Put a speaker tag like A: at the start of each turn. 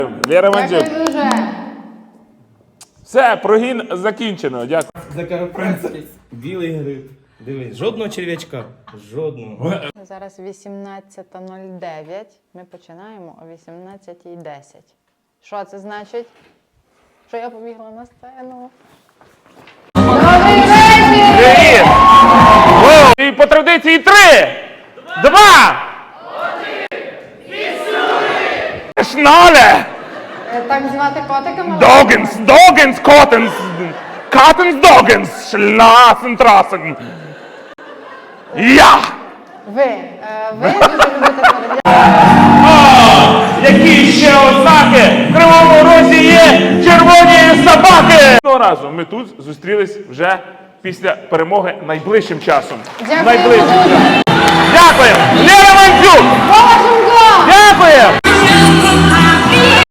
A: Лера Мандзюк.
B: Дякую дуже.
A: Все, прогін закінчено. Дякую.
C: Закарпатський білий гриб. Дивись, жодного черв'ячка. Жодного.
B: Зараз 18:09. Ми починаємо о 18:10. Що це значить? Що я побігла на сцену.
A: Привіт! Воу! І по традиції 3, 2, 1, Шнале!
B: Так звати котика?
A: Догенс, Догенс, Коттенс, Каттенс, Догенс, Шласен, Трасен. Я!
B: Ви дуже любите передяти.
A: Які ще ознаки в Кривому Розі є червоні собаки? Одного разу ми тут зустрілись вже після перемоги найближчим часом.
B: Дякую
A: Найближчим
B: дуже.
A: часом. Дякую! Лера Мандзюк!
B: Боже,
A: Дякую!